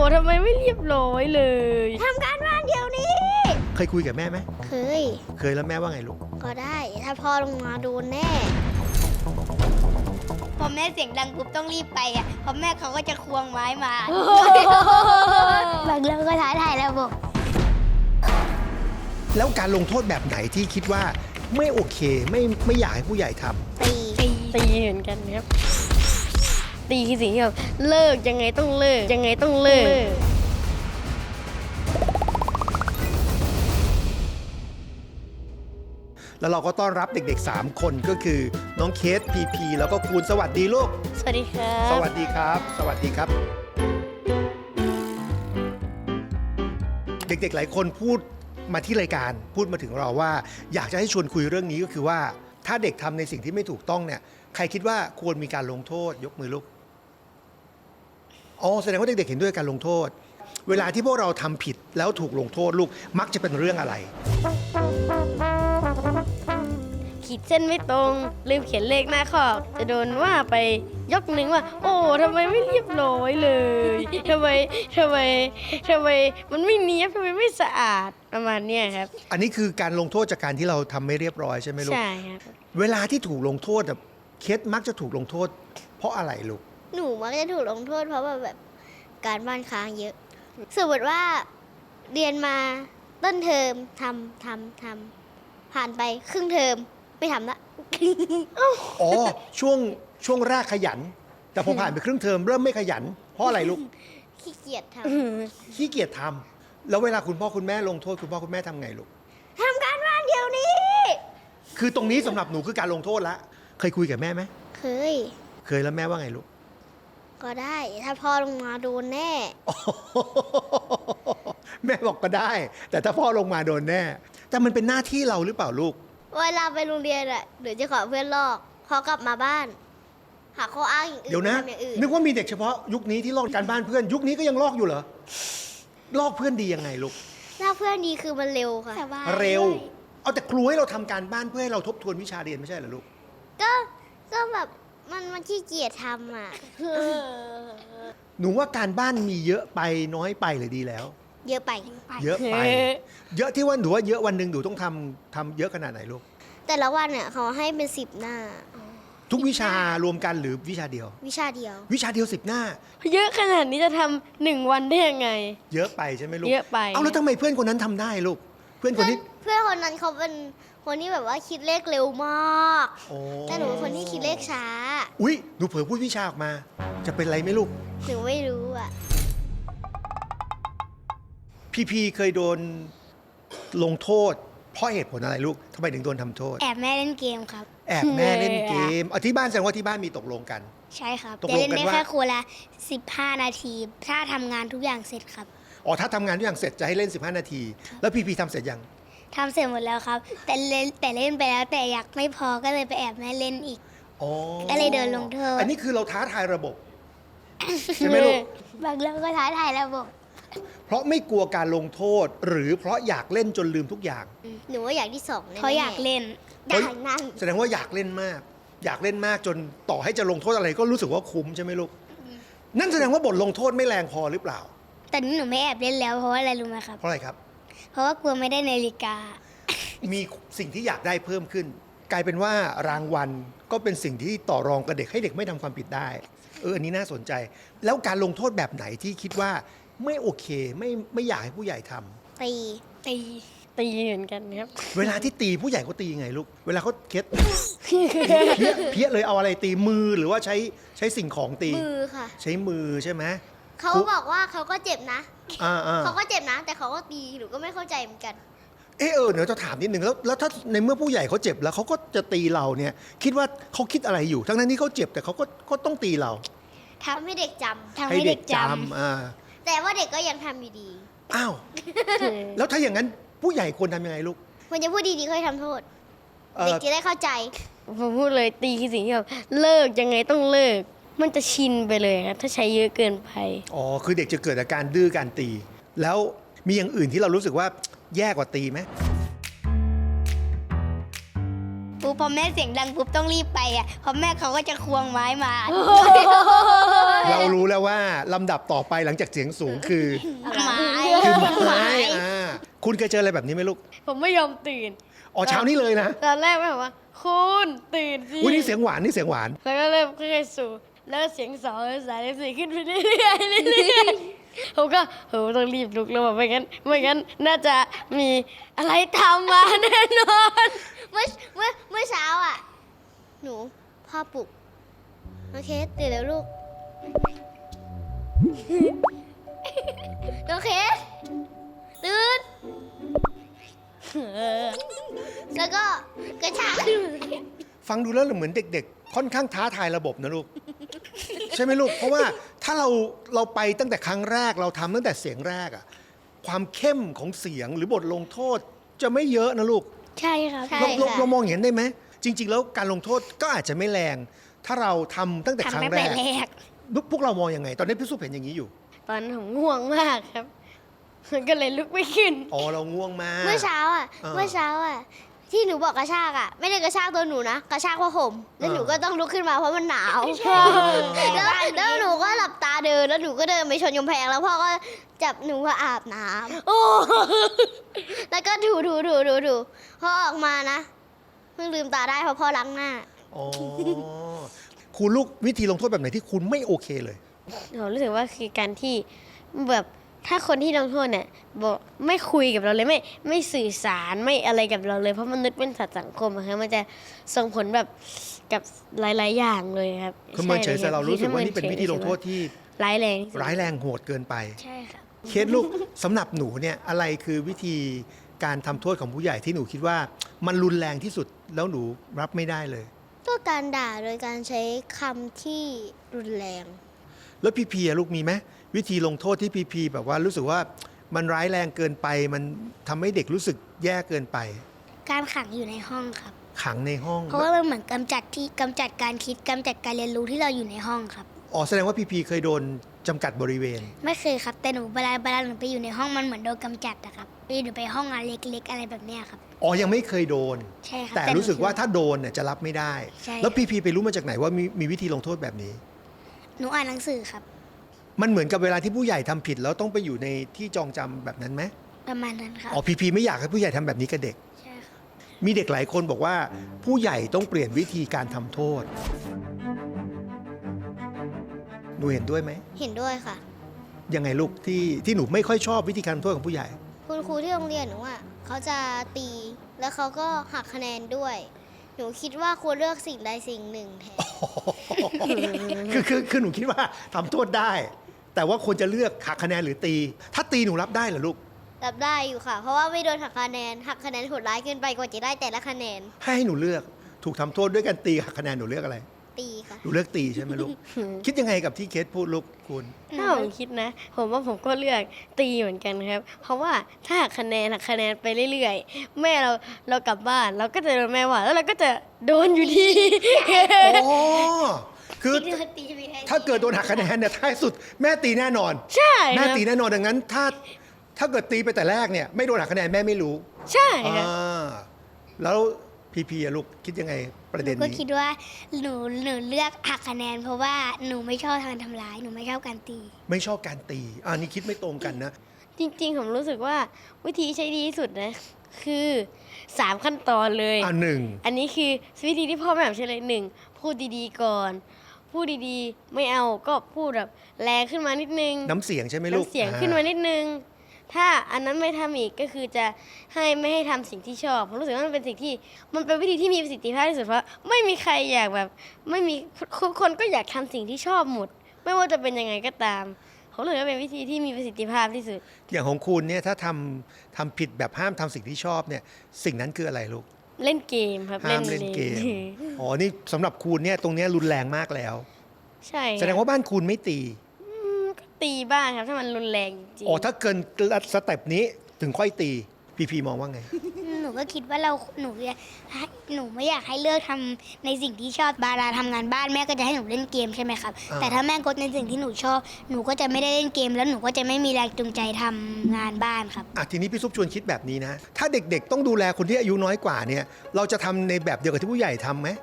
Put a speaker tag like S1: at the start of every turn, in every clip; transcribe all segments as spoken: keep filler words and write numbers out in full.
S1: ทำไมไม่เรียบร้อยเลย
S2: ทำการบ้านเดี๋ยวนี้
S3: เคยคุยกับแม่ไหม
S2: เคย
S3: เคยแล้วแม่ว่าไงลูก
S2: ก็ได้ถ้าพ่อลงมาโดนแน่พอแม่เสียงดังปุ๊บต้องรีบไปอ่ะเพราะแม่เขาก็จะควงไม้มาบางเรื่องก็ท้าทายระบบ
S3: แล้วการลงโทษแบบไหนที่คิดว่าไม่โอเคไม่ไม่อยากให้ผู้ใหญ่ทำ
S2: ตี
S1: ตีตีเหมือนกันครับตีคือสิ่งที่แบบเลิกยังไงต้องเลิกยังไงต้องเลิก
S3: แล้วเราก็ต้อนรับเด็กๆสามคนก็คือน้องเคสพีพีแล้วก็คูณสวัสดีลูก
S1: สวัสดีครับ
S3: สวัสดีครับสวัสดีครับเด็กๆหลายคนพูดมาที่รายการพูดมาถึงเราว่าอยากจะให้ชวนคุยเรื่องนี้ก็คือว่าถ้าเด็กทำในสิ่งที่ไม่ถูกต้องเนี่ยใครคิดว่าควรมีการลงโทษยกมือลูกอ๋อแสดงว่าเด็กๆเห็นด้วยการลงโทษเวลาที่พวกเราทำผิดแล้วถูกลงโทษลูกมักจะเป็นเรื่องอะไร
S1: ขีดเส้นไม่ตรงลืมเขียนเลขหน้าข้อจะโดนว่าไปยกหนึ่งว่าโอ้ทำไมไม่เรียบร้อยเลยทำไมทำไมทำไมมันไม่เนียบทำไมไม่สะอาดประมาณนี้ครับ
S3: อันนี้คือการลงโทษจากการที่เราทำไม่เรียบร้อยใช่ไหมลูก
S1: ใช่ครับ
S3: เวลาที่ถูกลงโทษแบบเคสมักจะถูกลงโทษเพราะอะไรลูก
S2: หนูมักจะถูกลงโทษเพราะว่าแบบการบ้านค้างเยอะสมมติว่าเรียนมาต้นเทอมทำทำทำผ่านไปครึ่งเทอมไม่ทำละ
S3: อ๋อช่วงช่วงแรกขยันแต่พอผ่านไปครึ่งเทอมเริ่มไม่ขยันเพราะอะไรลูก
S2: ขี้เกียจท
S3: ำขี้เกียจทำแล้วเวลาคุณพ่อคุณแม่ลงโทษคุณพ่อคุณแม่ทำไงลูก
S2: ทำการบ้านเดี๋ยวนี้
S3: คือตรงนี้สำหรับหนูคือการลงโทษละเคยคุยกับแม่ไหม
S2: เคย
S3: เคยแล้วแม่ว่าไงลูก
S2: ก็ได้ถ้าพ่อลงมาโดนแน่
S3: แม่บอกก็ได้แต่ถ้าพ่อลงมาโดนแน่แต่มันเป็นหน้าที่เราหรือเปล่าลูก
S2: เวลาไปโรงเรียนอะเดี๋ยวจะขอเพื่อนลอกพอกลับมาบ้านหาข้ออ้างอย่างอื่น
S3: เดี๋ยวนะนึกว่ามีเด็กเฉพาะยุคนี้ที่ลอกการบ้านเพื่อนยุคนี้ก็ยังลอกอยู่เหรอลอกเพื่อนดียังไงลูก
S2: ลอกเพื่อนดีคือมันเร็วค่ะ
S3: เร็วเอาแต่ครูให้เราทำการบ้านเพื่อให้เราทบทวนวิชาเรียนไม่ใช่เหรอลูก
S2: ก็ก็แบบมันมันขี้เกียจทำอ่ะ
S3: หนูว่าการบ้านมีเยอะไปน้อยไปหรือดีแล้ว
S2: เยอะไป
S3: เยอะไปเยอะที่ว่าหนูว่าเยอะวันหนึ่งหนูต้องทำทำเยอะขนาดไหนลูก
S2: แต่ละวันเนี่ยเขาให้เป็นสิบหน้า
S3: ทุกวิชารวมกันหรือวิชาเดียว
S2: วิชาเดียว
S3: วิชาเดียวสิบหน้า
S1: เยอะขนาดนี้จะทำหนึ่งวันได้ยังไง
S3: เยอะไปใช่ไหมลูก
S1: เยอะไป
S3: เอาแล้วทำไมเพื่อนคนนั้นทำได้ลูกเพื่อนคนนี้
S2: เพื่อนคนนั้นเขาเป็นคนที่แบบว่าคิดเลขเร็วมากแต่หนูเป็นคนที่คิดเลขช้า
S3: อุ๊ยหนูเผลอพูดวิชาออกมาจะเป็นไรไหมลูก
S2: หนูไม่รู้อ่ะ
S3: พี่พีเคยโดนลงโทษเพราะเหตุผลอะไรลูกทำไมถึงโดนทำโทษ
S2: แอบแม่เล่นเกมครับ
S3: แอบแม่เล่นเกมเอาที่บ้านแสดงว่าที่บ้านมีตกลงกัน
S2: ใช่ครับจะเล่นได้แค่คนละสิบห้านาทีถ้าทำงานทุกอย่างเสร็จครับ
S3: อ๋อถ้าทำงานทุกอย่างเสร็จจะให้เล่นสิบห้านาทีแล้วพี่พีทำเสร็จยัง
S2: ทำเสร็จหมดแล้วครับแต่เล่นแต่เล่นไปแล้วแต่อยากไม่พอก็เลยไปแอบแม่เล่นอีกก็เลยโดนลงโทษ
S3: อันนี้คือเราท้าทายระบบใช่ไหมลูก
S2: บางเรื่องก็ท้าทายระบบ
S3: เพราะไม่กลัวการลงโทษหรือเพราะอยากเล่นจนลืมทุกอย่าง
S2: หนูว่าอยากที่สองเขาอยากเล่น
S3: อยากนั่งแสดงว่าอยากเล่นมากอยากเล่นมากจนต่อให้จะลงโทษอะไรก็รู้สึกว่าคุ้มใช่ไหมลูกนั่นแสดงว่าบทลงโทษไม่แรงพอหรือเปล่า
S2: แต่นี้หนูไม่แอบเล่นแล้วเพราะว่าอะไรรู้ไหมครับ
S3: เพราะอะไรครับ
S2: เพราะว่ากลัวไม่ได้นาฬิกา
S3: มีสิ่งที่อยากได้เพิ่มขึ้นกลายเป็นว่ารางวัลก็เป็นสิ่งที่ต่อรองกับเด็กให้เด็กไม่ทำความผิดได้เอออันนี้น่าสนใจแล้วการลงโทษแบบไหนที่คิดว่าไม่โอเคไม่ไม่อยากให้ผู้ใหญ่ทำ
S2: ตี
S1: ตีตีเหมือนกันครับ
S3: เวลาที่ตีผู้ใหญ่เขาตียังไงลูกเวลาเขาเคสเพี้ยเพี้ยเลยเอาอะไรตีมือหรือว่าใช้ใช้สิ่งของตี
S2: มือค่ะ
S3: ใช้มือใช่ไหม
S2: เขาบอกว่าเขาก็เจ็บนะ
S3: อ่า
S2: เขาก็เจ็บนะแต่เขาก็ตีหนูก็ไม่เข้าใจเหมือนกัน
S3: เออเออเดี๋ยวจะถามนิดหนึ่งแล้วแล้วถ้าในเมื่อผู้ใหญ่เขาเจ็บแล้วเขาก็จะตีเราเนี่ยคิดว่าเขาคิดอะไรอยู่ทั้งนั้นที่เขาเจ็บแต่เขาก็ก็ต้องตีเรา
S2: ทำให้เด็กจำ
S3: ทำให้เด็กจำอ่า
S2: แต่ว่าเด็กก็ยังทำอยู่ดี
S3: อ้าวแล้วถ้าอย่างนั้นผู้ใหญ่ควรทำยังไงลูก
S2: ควรจะพูดดีๆค่อยทำโทษเด็กจะได้เข้าใจ
S1: ผมพูดเลยตีคือสิ่งที่แบบเลิกยังไงต้องเลิกมันจะชินไปเลยครับถ้าใช้เยอะเกินไป
S3: อ๋อคือเด็กจะเกิดอาการดื้อการตีแล้วมีอย่างอื่นที่เรารู้สึกว่าแย่กว่าตีไหม
S2: ปุ๊บพอแม่เสียงดังปุ๊บต้องรีบไปอ่ะเพราะแม่เขาก็จะควงไม้มา
S3: เรารู้แล้วว่าลำดับต่อไปหลังจากเสียงสูงคือ
S2: ไม้
S3: คือไม้อ่าคุณเคยเจออะไรแบบนี้ไหมลูก
S1: ผมไม่ยอมตื่น
S3: อ๋อเช้านี้เลยนะ
S1: ตอนแรกแม่บอกว่า คุณตื่นสิ
S3: อุ้ยนี่เสียงหวานนี่เสียงหวาน
S1: แล้วก็เริ่มค่อยๆสู่แล้วเสียงสองสามสี่ขึ้นไปเรื่อยๆเรื่อยๆผมก็โหต้องรีบลุกแล้วแบบไม่งั้นไม่งั้นน่าจะมีอะไรทำมาแน่นอน
S2: เมื่อเมื่อเมื่อเช้าอ่ะ หนูพ่อปลุกโอเคตื่นแล้วลูกโอเคตื่นแล้วก็กระชากขึ้นมาเลย
S3: ฟังดูแล้วเหมือนเด็กๆ ค่อนข้างท้าทายระบบนะลูก ใช่ไหมลูก เพราะว่าถ้าเราเราไปตั้งแต่ครั้งแรกเราทำตั้งแต่เสียงแรกอะความเข้มของเสียงหรือบทลงโทษจะไม่เยอะนะลูก
S2: ใช่ครับใช่
S3: เราเรา
S2: ค่ะ
S3: เรามองอย่างนั้นได้ไหมจริง ๆ แล้วการลงโทษก็อาจจะไม่แรง ถ้าเราทำตั้งแต่ครั้
S2: ทำ
S3: ง
S2: ตั้ง
S3: แร
S2: แต่
S3: ก
S2: แรก
S3: พวกเรามองยังไง ตอนนี้พี่สุเห็นอย่างนี้อยู่
S1: ตอนนั้นผมง่วงมากครับก็เลยลุกไม่ขึ้น
S3: อ๋อเราง่วงมาก
S2: เมื่อเช้าอ่ะ
S3: เออ
S2: เมื่อเช้าอ่ะ ที่หนูบอกกระชากอ่ะ ไม่ได้กระชากตัวหนูนะ กระชากผ้าห่มแล้ว
S3: เออ
S2: หนูก็ต้องลุกขึ้นมาเพราะมันหนาวแล้วแล้วหนูก็หลับตาเดิน แล้วหนูก็เดินไปชนกำแพงแล้วพ่อก็จับหนูมาอาบน้ำ
S1: โอ้
S2: แล้วก็ถูถูถูถูถูพอออกมานะเพิ่งลืมตาได้เพราะพ่อล้างหน้า
S3: อ๋อคุณลูกวิธีลงโทษแบบไหนที่คุณไม่โอเคเลย
S1: ผมรู้สึกว่าคือการที่แบบถ้าคนที่ลงโทษเนี่ยบอกไม่คุยกับเราเลยไม่ไม่สื่อสารไม่อะไรกับเราเลยเพราะมนุษย์เป็นสัตว์สังคมอะครับมันจะส่งผลแบบกับหลาย ๆ อย่างเลยครับ
S3: คือเมินเฉย
S1: ใช่
S3: แต่เรารู้สึกว่านี่เป็น
S1: ถ้
S3: วิธีลงโทษที่
S1: ร้ายแรงที่สุด
S3: ร้ายแรงโหดเกินไป
S2: ใช่ครับ
S3: เคสลูก สำหรับหนูเนี่ยอะไรคือวิธีการทำโทษของผู้ใหญ่ที่หนูคิดว่ามันรุนแรงที่สุดแล้วหนูรับไม่ได้เลย
S2: ก็การด่าโดยการใช้คำที่รุนแรง
S3: แล้วพีพีอะลูกมีไหมวิธีลงโทษที่พีพีแบบว่ารู้สึกว่ามันร้ายแรงเกินไป มันทำให้เด็กรู้สึกแย่เกินไป
S2: การขังอยู่ในห้องครับ
S3: ขังในห้อง
S2: เพราะว่ามันเหมือนกำจัดที่กำจัดการคิดกำจัดการเรียนรู้ที่เราอยู่ในห้องครับ
S3: อ๋อแสดงว่าพีพีเคยโดนจำกัดบริเวณ
S2: ไม่เคยครับ แต่หนูเวลาเวลาหนูไปอยู่ในห้องมันเหมือนโดนกำจัดอะครับหนูไปห้องอะไรเล็กๆอะไรแบบเนี้ยครับ
S3: อ๋อยังไม่เคยโดน
S2: ใช่ครับ
S3: แต่
S2: หนู
S3: รู้สึกว่าถ้าโดนเนี่ยจะรับไม่ได้
S2: ใช่
S3: แล้วพีพีไปรู้มาจากไหนว่ามีมีวิธีลงโทษแบบนี้
S2: หนูอ่านหนังสือครับ
S3: มันเหมือนกับเวลาที่ผู้ใหญ่ทำผิดแล้วต้องไปอยู่ในที่จองจำแบบนั้นไหม
S2: ประมาณนั้นครับ
S3: อ๋อพีพีไม่อยากให้ผู้ใหญ่ทำแบบนี้กับเด็ก
S2: ใช่ครับ
S3: มีเด็กหลายคนบอกว่าผู้ใหญ่ต้องเปลี่ยนวิธีการทำโทษ หนูเห็นด้วยไหม
S2: เห็นด้วยค่ะ
S3: ยังไงลูกที่ที่หนูไม่ค่อยชอบวิธีการทำโทษของผู้ใหญ่
S2: คุณครูที่โรงเรียนหนูอ่ะเขาจะตี แล้วเขาก็หักคะแนนด้วย หนูคิดว่าควรเลือกสิ่งใดสิ่งหนึ่งแทน
S3: คือคือคือหนูคิดว่าทำโทษได้ แต่ว่าควรจะเลือกหักคะแนนหรือตี ถ้าตีหนูรับได้เหรอลูก
S2: รับได้อยู่ค่ะ เพราะว่าไม่โดนหักคะแนน หักคะแนนโหดร้ายเกินไปกว่าจะได้แต่ละคะแนน
S3: ให้ให้หนูเลือกถูกทำโทษด้วยการตีหักคะแนนหนูเลือกอะไร
S2: ตีค่ะ
S3: หนูเลือกตีใช่ไหมลูก คิดยังไงกับที่เคสพูดลูกคุณ
S1: ถ้าผมคิดนะ ผมว่าผมก็เลือกตีเหมือนกันครับ เพราะว่าถ้าหักคะแนนหักคะแนนไปเรื่อยๆ แม่เราเรากลับบ้านเราก็จะโดนแม่ว่าแล้วเราก็จะโดนอยู่ดี
S3: อ๋อ คือ
S2: ตีตีจะมีใคร
S3: ถ้าเกิดโดนหักคะแนนเนี่ยท้ายสุดแม่ตีแน่นอน
S1: ใช่
S3: แม่
S1: ครับ
S3: ตีแน่นอนดังนั้น ถ้าถ้าเกิดตีไปแต่แรกเนี่ยไม่โดนหักคะแนนแม่ไม่รู้
S1: ใช่ครับ
S3: อ่าแล้วพีพีอะลูกคิดยังไงประ
S2: ห
S3: เด็
S2: นู
S3: น
S2: ก็
S3: นี้
S2: คิดว่าหนูหนูเลือกหักคะแนน เพราะว่าหนูไม่ชอบการทำร้าย หนูไม่ชอบการตี
S3: ไม่ชอบการตีอันนี้คิดไม่ตรงกันนะ
S1: จริงๆ ผมรู้สึกว่าวิธีใช้ดีที่สุดนะ คือสามขั้นตอนเลย
S3: อ่าหนึ่ง
S1: อันนี้คือวิธีที่พ่อแม่ผมใช้เลยหนึ่งพูดดีๆก่อน พูดดีๆ ไม่เอาก็พูดแบบแรงขึ้นมานิดนึง
S3: น้ำเสียงใช่ไหมลูก
S1: น้ำเสียงขึ้นมานิดนึง ถ้าอันนั้นไม่ทำอีกก็คือจะให้ไม่ให้ทำสิ่งที่ชอบผมรู้สึกว่ามันเป็นสิ่งที่มันเป็นวิธีที่มีประสิทธิภาพที่สุดเพราะไม่มีใครอยากแบบไม่มีทุกคนก็อยากทำสิ่งที่ชอบหมด ไม่ว่าจะเป็นยังไงก็ตามผมรู้สึกว่าเป็นวิธีที่มีประสิทธิภาพที่สุด
S3: อย่างของคุณเนี่ยถ้าทำทำผิดแบบห้ามทำสิ่งที่ชอบเนี่ยสิ่งนั้นคืออะไรลูก
S1: เล่นเกมครับ
S3: ห้ามเล่นเกม อ๋อ นี่สำหรับคุณเนี่ยตรงเนี้ยรุนแรงมากแล้ว
S1: ใช่
S3: แสดงว่าบ้านคุณไม่ตี
S1: อืมก็ตีบ้างครับถ้ามันรุนแรงจริง
S3: อ๋อ ถ้าเกินสเต็ปนี้ถึงค่อยตีพีพีมองว่าไง
S4: หนูก็คิดว่าเราหนูอยากให้หนูไม่อยากให้เลือกทำในสิ่งที่ชอบบาราทำงานบ้านแม่ก็จะให้หนูเล่นเกมใช่ไหมครับ
S3: อ่า
S4: แต่ถ้าแม่กดในสิ่งที่หนูชอบหนูก็จะไม่ได้เล่นเกม แล้วหนูก็จะไม่มีแรงจูงใจทำงานบ้านครับ
S3: อ่ะทีนี้พี่ซุปชวนคิดแบบนี้นะ ถ้าเด็กๆต้องดูแลคนที่อายุน้อยกว่าเนี่ย เราจะทำในแบบเดียวกับที่ผู้ใหญ่ทำไหม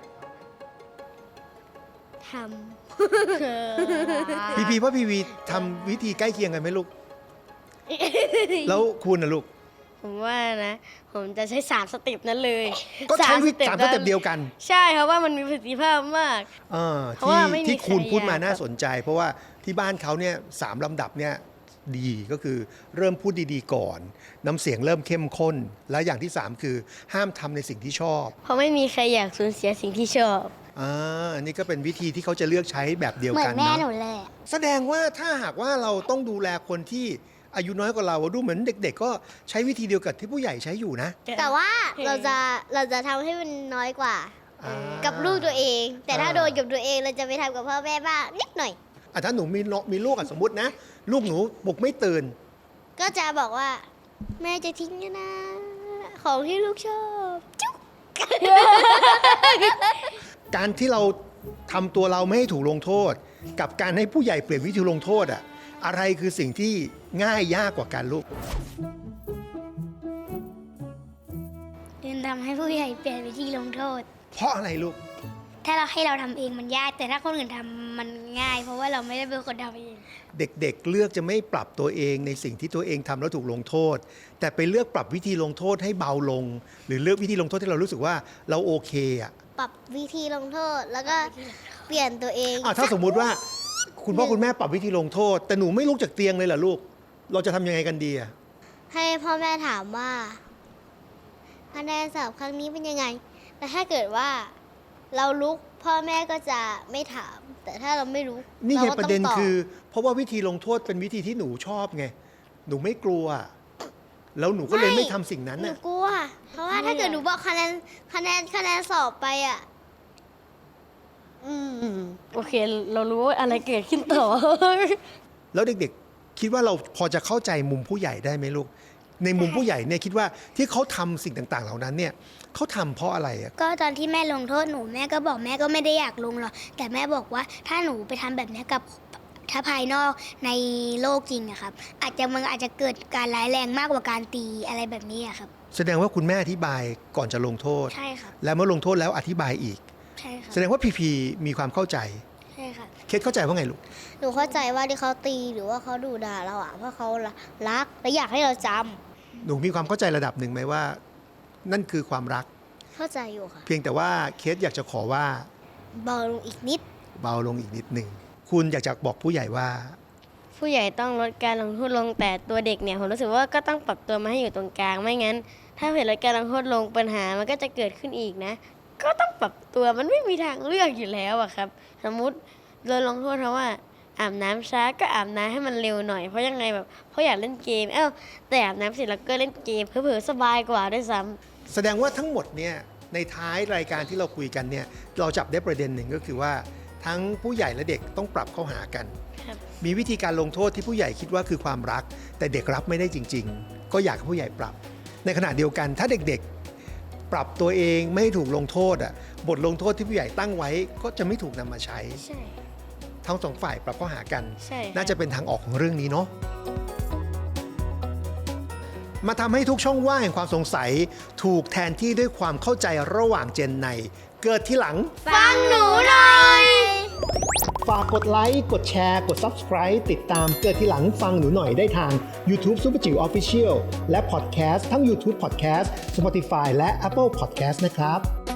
S2: ท
S3: พีพีว่าพีพีทำวิธีใกล้เคียงกันไหมลูก แล้วคุณนะลูก
S1: ผมว่านะ ผมจะใช้สามสเต็ปนั้นเลย
S3: ก็ใช้วิธีสามสเต็ป
S1: นั้น
S3: เดียวกัน
S1: ใช่เพราะว่ามันมีประสิทธิภาพมาก
S3: เออ
S1: เพราะ
S3: ที่
S1: ว่าไม่มี
S3: ที่คุณ
S1: ใคร
S3: พูดมา
S1: อยาก
S3: น่าสนใจ เพราะว่าที่บ้านเขาเนี่ยสามลำดับเนี่ยดีก็คือเริ่มพูดดีๆก่อน น้ำเสียงเริ่มเข้มข้น แล้วอย่างที่สามคือห้ามทำในสิ่งที่ชอบ
S1: เพราะไม่มีใครอยากสูญเสียสิ่งที่ชอบ
S3: อ่าอันนี้ก็เป็นวิธีที่เขาจะเลือกใช้แบบเดียว
S4: เหมือ
S3: กัน
S4: นแม่
S3: เนาะ
S4: หนูเลย
S3: แสดงว่าถ้าหากว่าเราต้องดูแลคนที่อายุน้อยกว่าเราดูเหมือนเด็ก ๆ ก็ใช้วิธีเดียวกับที่ผู้ใหญ่ใช้อยู่นะ
S2: ำแต่ว่าเราจะเราจะทำให้มันน้อยกว่า
S3: อ่า
S2: กับลูกตัวเอง แต่ถ้า
S3: อ่า
S2: โดนกับตัวเองเราจะไปทำกับพ่อแม่บ้างนิดหน่อย
S3: อ่ะถ้าหนูมีน้องมีลูกอ่ะสมมตินะ ลูกหนูปลุกไม่ตื่น
S2: ก็จะบอกว่า แม่จะทิ้งนะ ของที่ลูกชอบ จุ๊ก
S3: การที่เราทำตัวเราไม่ให้ถูกลงโทษ กับการให้ผู้ใหญ่เปลี่ยนวิธีลงโทษอ่ะอะไรคือสิ่งที่ง่ายยากกว่ากันลูก
S4: เรียนทำให้ผู้ใหญ่เปลี่ยนวิธีลงโทษ
S3: เพราะอะไรลูก
S4: ถ้าเราให้เราทำเองมันยาก แต่ถ้าคนอื่นทำมันง่าย เพราะว่าเราไม่ได้เป็นคนทำเอง
S3: เด็กๆ เลือกจะไม่ปรับตัวเองในสิ่งที่ตัวเองทำแล้วถูกลงโทษ แต่ไปเลือกปรับวิธีลงโทษให้เบาลง หรือเลือกวิธีลงโทษที่เรารู้สึกว่าเราโอเคอ่ะ
S2: ปรับวิธีลงโทษ แล้วก็เปลี่ยนตัวเอง
S3: อ่ะถ้าสมมุติว่าคุณพ่อคุณแม่ปรับวิธีลงโทษ แต่หนูไม่ลุกจากเตียงเลยเหรอลูก เราจะทำยังไงกันดีอ่ะ
S2: ให้พ่อแม่ถามว่าคะแนนสอบครั้งนี้เป็นยังไง แต่ถ้าเกิดว่าเราลุกพ่อแม่ก็จะไม่ถาม แต่ถ้าเราไม่รู้
S3: นี่ไง
S2: ราก็
S3: ประ
S2: ต้อง
S3: เด็น
S2: ตบ
S3: คือ เพราะว่าวิธีลงโทษเป็นวิธีที่หนูชอบไง หนูไม่กลัว แล้วหนูก็เลยไม่ทำสิ่งนั้น
S2: หนู
S3: น่ะ
S2: กลัว เพราะว่าถ้าเกิดหนูบอกคะแนนคะแนนคะแนนสอบไปอ่ะ อืม
S1: โอเค เรารู้ว่าอะไรเกิดขึ้นต่อ
S3: แล้วเด็กๆ คิดว่าเราพอจะเข้าใจมุมผู้ใหญ่ได้ไหมลูก ในมุมผู้ใหญ่เนี่ยคิดว่าที่เขาทำสิ่งต่างๆ เหล่านั้นเนี่ยเขาทำเพราะอะไรอ่ะ
S4: ก็ตอนที่แม่ลงโทษหนูแม่ก็บอกแม่ก็ไม่ได้อยากลงหรอกแต่แม่บอกว่าถ้าหนูไปทำแบบนี้กับถ้าภายนอกในโลกจริงอะครับ อาจจะมันอาจจะเกิดการร้ายแรงมากกว่าการตีอะไรแบบนี้อะครับ
S3: แสดงว่าคุณแม่อธิบายก่อนจะลงโทษ
S4: ใช่ครับ
S3: และเมื่อลงโทษแล้วอธิบายอีก
S4: ใช่ครับ
S3: แสดงว่าพีพีมีความเข้าใจ
S4: ใช่ครับ
S3: เคสเข้าใจว่าไงลูก
S2: หนูเข้าใจว่าที่เขาตีหรือว่าเขาดุด่าเราอ่ะเพราะเขารักและอยากให้เราจำ
S3: หนูมีความเข้าใจระดับหนึ่งไหมว่า นั่นคือความรัก
S2: เข้าใจอยู่ค่ะ
S3: เพียงแต่ว่าเคสอยากจะขอว่า
S2: เบาลงอีกนิด
S3: เบาลงอีกนิดหนึ่งคุณอยากจะบอกผู้ใหญ่ว่า
S1: ผู้ใหญ่ต้องลดการลงโทษลงแต่ตัวเด็กเนี่ยผมรู้สึกว่าก็ต้องปรับตัวมาให้อยู่ตรงกลางไม่งั้น ถ้าเห็นลดการลงโทษลงปัญหามันก็จะเกิดขึ้นอีกนะ ก็ต้องปรับตัวมันไม่มีทางเลือกอยู่แล้วอะครับ สมมุติเราลงโทษเพราะว่าอาบน้ำช้าก็อาบน้ำให้มันเร็วหน่อยเพราะยังไงแบบเพราะอยากเล่นเกมเอ้าแต่อาบน้ำเสร็จแล้วก็เล่นเกมเผลอๆสบายกว่าด้วยซ้ำ
S3: แสดงว่าทั้งหมดเนี่ยในท้ายรายการที่เราคุยกันเนี่ยเราจับได้ประเด็นหนึ่งก็คือว่าทั้งผู้ใหญ่และเด็กต้องปรับเข้าหากัน
S1: ครับ
S3: มีวิธีการลงโทษที่ผู้ใหญ่คิดว่าคือความรัก แต่เด็กรับไม่ได้จริง ๆ ก็อยากให้ผู้ใหญ่ปรับ ในขณะเดียวกันถ้าเด็กๆ ปรับตัวเองไม่ให้ถูกลงโทษอ่ะบทลงโทษที่ผู้ใหญ่ตั้งไว้ก็จะไม่ถูกนำมาใช้
S1: ใช่
S3: ทั้งสองฝ่ายปรับเข้าหากัน
S1: ใช่ครับ
S3: น่าจะเป็นทางออกของเรื่องนี้เนาะมาทำให้ทุกช่องว่างแห่งความสงสัยถูกแทนที่ด้วยความเข้าใจระหว่างเจนในเกิดที่หลัง
S2: ฟังหนูหน่อย
S3: ฝากกดไลค์ กดแชร์ กด Subscribe ติดตามเกิดที่หลังฟังหนูหน่อยได้ทาง YouTube Super จิ๋ว Official และ Podcast ทั้ง YouTube Podcast Spotify และ Apple Podcast นะครับ